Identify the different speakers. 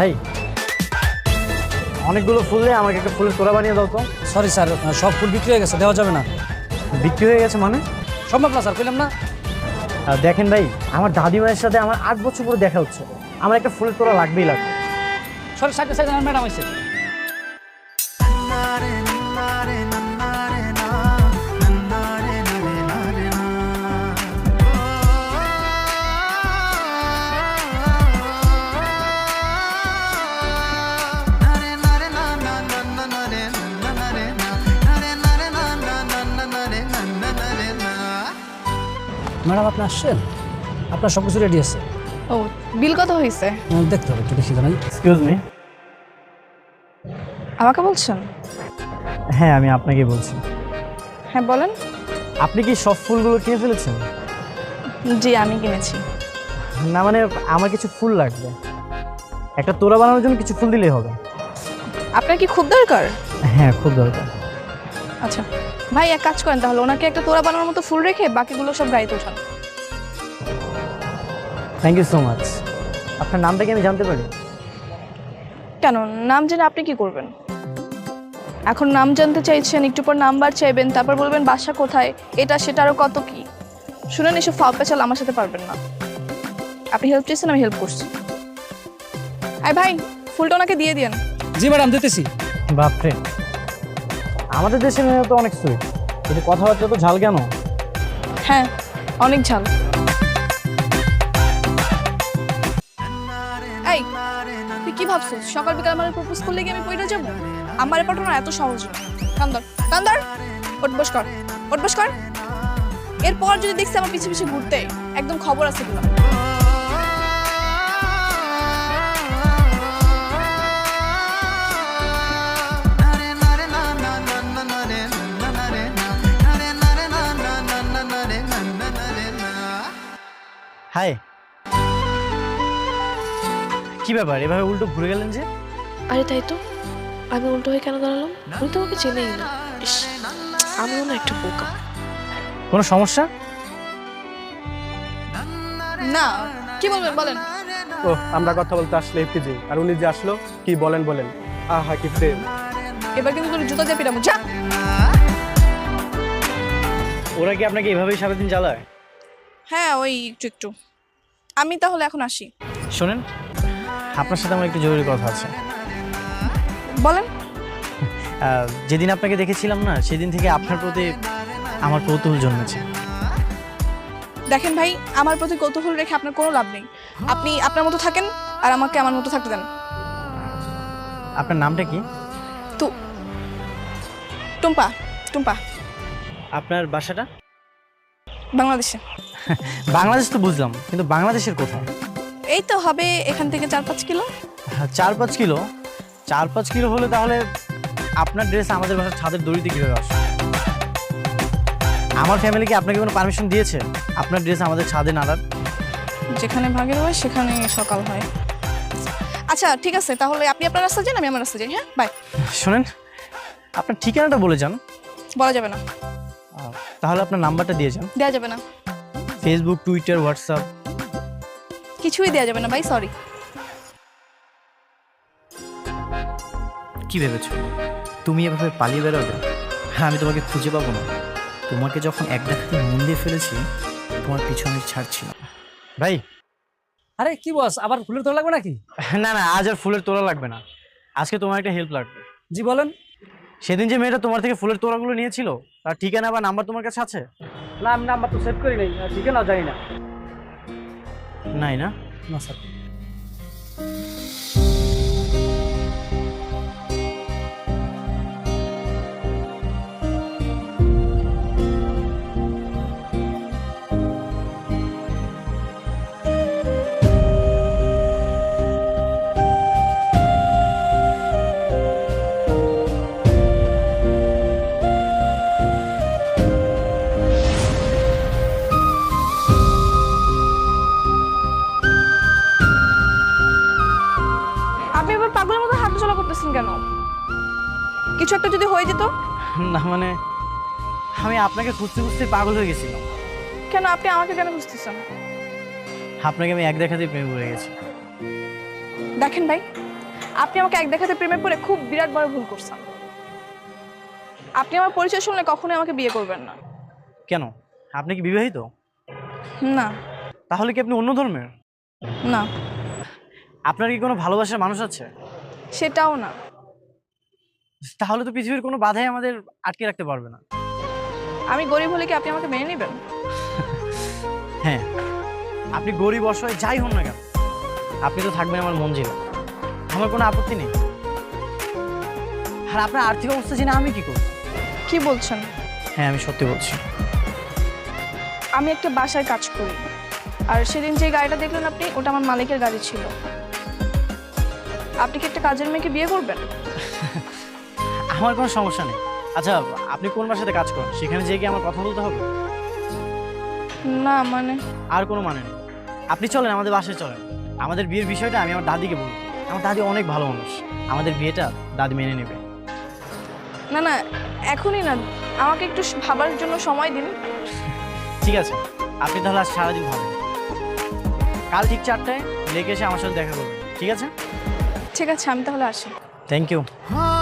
Speaker 1: ভাই অনেকগুলো ফুল দিয়ে আমাকে একটা ফুলের তোড়া বানিয়ে দাও তো।
Speaker 2: সরি স্যার, সব ফুল বিক্রি হয়ে গেছে, দেওয়া যাবে না।
Speaker 1: বিক্রি হয়ে গেছে মানে?
Speaker 2: সম্ভব না স্যার, কইলাম না।
Speaker 1: দেখেন ভাই, আমার দাদিমায়ের সাথে আমার 8 বছর পরে দেখা হচ্ছে, আমার একটা ফুলের তোড়া লাগবেই লাগবে।
Speaker 2: সরি, সাইডে সাইডে ম্যাডাম আছে। ম্যাডাম আপনি আসছেন, আপনার সব কিছু রেডি আছে।
Speaker 3: ও, বিল কত হয়েছে?
Speaker 2: দেখতে হবে, একটু দেখি জানাই।
Speaker 1: Excuse me.
Speaker 3: আমাকে বলছেন?
Speaker 1: হ্যাঁ, আমি আপনাকে বলছি।
Speaker 3: হ্যাঁ বলেন।
Speaker 1: আপনি কি সব ফুলগুলো কিনে ফেলেছেন?
Speaker 3: জি, আমি কিনেছি।
Speaker 1: না মানে আমার কিছু ফুল লাগবে, একটা তোড়া বানানোর জন্য কিছু ফুল দিলেই হবে।
Speaker 3: আপনার কি খুব দরকার?
Speaker 1: হ্যাঁ, খুব দরকার।
Speaker 3: আচ্ছা ভাই, এক কাজ করেন তাহলে, ওনাকে একটা তোড়া বানানোর মতো ফুল রেখে বাকিগুলো সব গাড়িতে উঠান।
Speaker 1: Thank you so much. আপনার নামটা কি আমি জানতে পারি?
Speaker 3: কেন, নাম জেনে আপনি কি করবেন? এখন নাম জানতে চাইছেন, একটু পর নাম্বার চাইবেন, তারপর বলবেন বাসা কোথায়, এটা সেটা আরও কত কি। শুনেন, এসব ফাও পেঁচাল আমার সাথে পারবেন না। আপনি হেল্প চেয়েছেন, আমি হেল্প করছি। আয় ভাই, ফুলটা ওনাকে দিয়ে দিন।
Speaker 2: জি ম্যাডাম, দিতেছি।
Speaker 1: বাপরে, আমাদের দেশের মেয়ে তো অনেক সুইট, কিন্তু কথাবার্তা তো ঝাল কেন?
Speaker 3: হ্যাঁ, অনেক ঝাল। এই, তুই কি ভাবছিস সকাল বিকাল আমার প্রপোজ করলে কি আমি পইরা যাব? আমার পাঠানো এত সহজ না। কান্দর কান্দর, উঠবস কর, উঠবস কর। এরপর যদি দেখছি আমার পিছে পিছে ঘুরতে, একদম খবর আছে দিলাম।
Speaker 1: হাই, কি ব্যাপার এভাবে উল্টো ঘুরে গেলেন যে?
Speaker 4: আরে তাই তো, আমি উল্টো হয়ে কেন দাঁড়ালাম? আমি তোমাকে চেনেই না। ইস, আমিও না একটা বোকা।
Speaker 1: কোনো সমস্যা?
Speaker 3: না, কি বলবেন বলেন।
Speaker 5: ও, আমরা কথা বলতে আসলে এফটিজি, আর উনি যে আসলো, কি বলেন বলেন। আহা কি প্রেম।
Speaker 3: এবার কিন্তু তোর জুতা দিয়ে পিটাবো, যা।
Speaker 1: ওরা কি আপনাকে এভাবেই সারাদিন জ্বালায়?
Speaker 3: হ্যাঁ, ওই একটু একটু। আমি তাহলে এখন আসি।
Speaker 1: শোনেন, আপনার সাথে আমার একটু জরুরি কথা আছে।
Speaker 3: বলেন।
Speaker 1: যেদিন আপনাকে দেখেছিলাম না, সেদিন থেকে আপনার প্রতি আমার কৌতূহল জন্মেছে।
Speaker 3: দেখেন ভাই, আমার প্রতি কৌতূহল রেখে আপনার কোনো লাভ নেই। আপনি আপনার মতো থাকেন, আর আমাকে আমার মতো থাকতে দেন।
Speaker 1: আপনার নামটা কি?
Speaker 3: তো টুম্পা। টুম্পা।
Speaker 1: আপনার বাসাটা?
Speaker 3: বাংলাদেশে।
Speaker 1: বাংলাদেশ তো বুঝলাম, কিন্তু বাংলাদেশের কোথায়?
Speaker 3: এই তো হবে এখান থেকে 4-5 কিলো।
Speaker 1: 4-5 কিলো? 4-5 কিলো হলে তাহলে আপনার ড্রেস আমাদের বাসার ছাদের দড়িতে কীভাবে আসে? আমার ফ্যামিলি কি আপনাকে কোনো পারমিশন দিয়েছে আপনার ড্রেস আমাদের ছাদে নাড়ার?
Speaker 3: যেখানে ভাগের হয় সেখানে সকাল হয়। আচ্ছা ঠিক আছে, তাহলে আপনি আপনার রাস্তা যান, আমি আমার রাস্তা যাই। হ্যাঁ, বাই।
Speaker 1: শোনেন, আপনার ঠিকানাটা বলে যান।
Speaker 3: বলা যাবে না।
Speaker 1: তাহলে আপনার নাম্বারটা দিয়ে যান।
Speaker 3: দেওয়া যাবে না।
Speaker 1: Facebook, Twitter, WhatsApp?
Speaker 3: কিছুই দেওয়া যাবে না ভাই, সরি।
Speaker 1: কি ভেবেছো তুমি এভাবে পালিয়ে বেরোবে? হ্যাঁ, আমি তোমাকে খুঁজে পাবো না। তোমাকে যখন এক দেখাতে মন দিয়ে ফেলেছি, তোমার পিছু আমি ছাড়ছি না। ভাই।
Speaker 2: আরে কি বস, আবার ফুলের তোড়া লাগবে নাকি?
Speaker 1: না না, আজ আর ফুলের তোড়া লাগবে না, আজকে তোমার একটা হেল্প লাগবে।
Speaker 2: জি বলেন।
Speaker 1: সেদিন যে মেয়েটা তোমার থেকে ফুলের তোড়াগুলো নিয়েছিল, তার ঠিকানা বা নাম্বার তোমার কাছে আছে?
Speaker 2: না, আমি নাম্বার তো সেভ করি নাই, ঠিকানা জানি না।
Speaker 1: নাই না?
Speaker 2: না স্যার।
Speaker 3: আপনি এবার পাগলের মতো হাঁটাচলা করতেছেন কেন? কিছু একটা যদি হয়ে যেত?
Speaker 1: না মানে আমি আপনাকে খুঁজতে খুঁজতে পাগল হয়ে গেছিলাম।
Speaker 3: কেন, আপনি আমাকে কেন বুঝতেছেন?
Speaker 1: আপনাকে আমি এক দেখাতেই প্রেমে পড়ে গেছি।
Speaker 3: দেখেন ভাই, আপনি আমাকে এক দেখাতে প্রেমে পড়ে খুব বিরাট বড় ভুল করছেন। আপনি আমার পরিচয় শুনলে কখনোই আমাকে বিয়ে করবেন না।
Speaker 1: কেন, আপনি কি বিবাহিত?
Speaker 3: না।
Speaker 1: তাহলে কি আপনি অন্য ধর্মের?
Speaker 3: না,
Speaker 1: আপনার কি কোনো ভালোবাসার মানুষ আছে?
Speaker 3: সেটাও না।
Speaker 1: তাহলে তো পৃথিবীর কোনো বাধাই আমাদের আটকে রাখতে পারবে না।
Speaker 3: আমি গরিব হলে কি আপনি আমাকে মেনে নেবেন?
Speaker 1: হ্যাঁ, আপনি গরিব অসহায় যাই হন না কেন, আপনি তো থাকবেন আমার মঞ্জিলে। আমার কোনো আপত্তি নেই। আর আপনার আর্থিক অবস্থা জেনে আমি কি করব?
Speaker 3: কি বলছেন?
Speaker 1: হ্যাঁ, আমি সত্যি বলছি।
Speaker 3: আমি একটা বাসায় কাজ করি, আর সেদিন যে গাড়িটা দেখলেন আপনি, ওটা আমার মালিকের গাড়ি ছিল। আপনি কি একটা কাজের মেয়েকে বিয়ে করবেন?
Speaker 1: আমার কোনো সমস্যা নেই। আচ্ছা, আপনি কোন বাসাতে কাজ করেন? সেখানে যেয়ে কি আমার কথা বলতে হবে?
Speaker 3: না মানে,
Speaker 1: আর কোনো মানে নেই। আপনি চলেন, আমাদের বাসায় চলেন। আমাদের বিয়ের বিষয়টা আমি আমার দাদিকে বলবো। আমার দাদি অনেক ভালো মানুষ, আমাদের বিয়েটা দাদি মেনে নেবে।
Speaker 3: না না, এখনই না, আমাকে একটু ভাবার জন্য সময় দিন।
Speaker 1: ঠিক আছে, আপনি তাহলে আজ সারাদিন ভাবেন। কাল ঠিক 4টায় লেগে এসে আমার সাথে দেখা করবেন, ঠিক আছে?
Speaker 3: ঠিক আছে, আমি তাহলে আসি।
Speaker 1: Thank you.